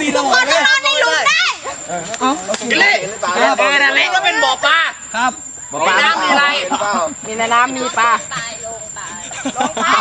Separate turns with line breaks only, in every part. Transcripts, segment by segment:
มีระบบ
คนนอนในหลุมได้
กินเลยนั่นแหละก็เป็นบ่อปลา
ครับ
ในน้ำมีอะไร
มีในน้ำมีปลา
ลงไป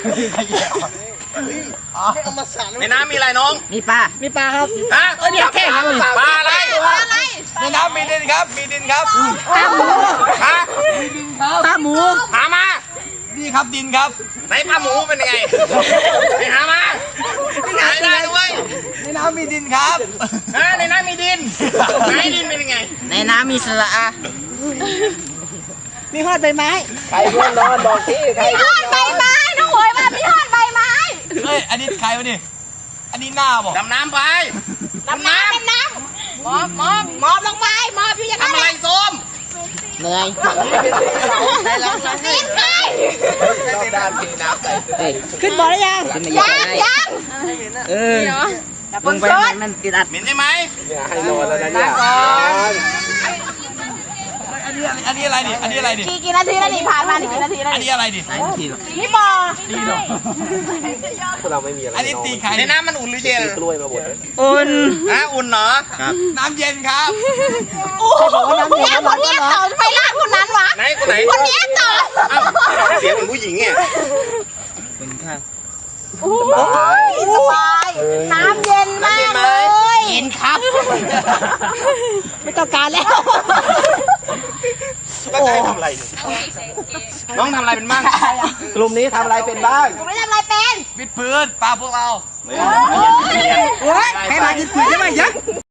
ในน้ำมีอะไรน้อง
มีปลาครับ
ฮะเดี๋ยวแค่ปลาอะไร
อะไร
ในน้ำมีดินครับมีดินครับ
ปลาหมู
ฮะ
ปลาหมู
หามา
นี่ครับดินครับ
ไหนปลาหมูเป็นยังไงไปหามาหาได้ด้วย
ในน้ำมีดินครับ
ฮะในน้ำมีดินไหนดินเป็นยังไง
ในน้ำมีสระอามีหอดใบไม้
มีฮอดใบไม้น้องหวยมามีฮอดใบไม้
เฮ้ยอันนี้ใครวะนี่อันนี้หน้าบอก
ดำน้ำไป
ดำน้ำเป็นน้ำมอบลงไปมอบอยู่อย่างนั้น
ทำอะไรส้ม
เหนื่อย
ปีนไป
ขึ้นบ่อได้ยัง
ยัง
เออลงไปมันติดอัด
เหม็นใช่ไหม
อันนี้อะไรดิอันนี้อะไรดิ
กี่นาทีแล้วนี่ผ่านมากี่นาทีแล้ว
อันนี้อะไรดิ
นี่บ่อ
อันนี้ตีใคร
ในน้ำมันอุ่นหรือเย็น
อุ่น
ฮะอุ่นเหรอ
น้ำเย็นครับ
โอ้โหเนี่ยคนเนี้ยต่อไปลากคนนั้นวะ
ไหนคนไหน
คนเนี้ยต่อ
อ้าวเสียงเหมือนผู้หญิงไง
เป็นข้าว
โอ้ยสบายน้ำเย็นมากเลย
เย็นครับ ไม่ต้องการแล้ว
ก็จะให้ทำอะไรน้องทำอะไรเป็นบ้าง
กลุ่มนี้ทำอะไรเป็นบ้าง
ผมไม่ทำอะไรเป็น
วิดพื้นปลาพวกเรา
ไม่
ให้มากินปุ๋ยได้ไหมยัก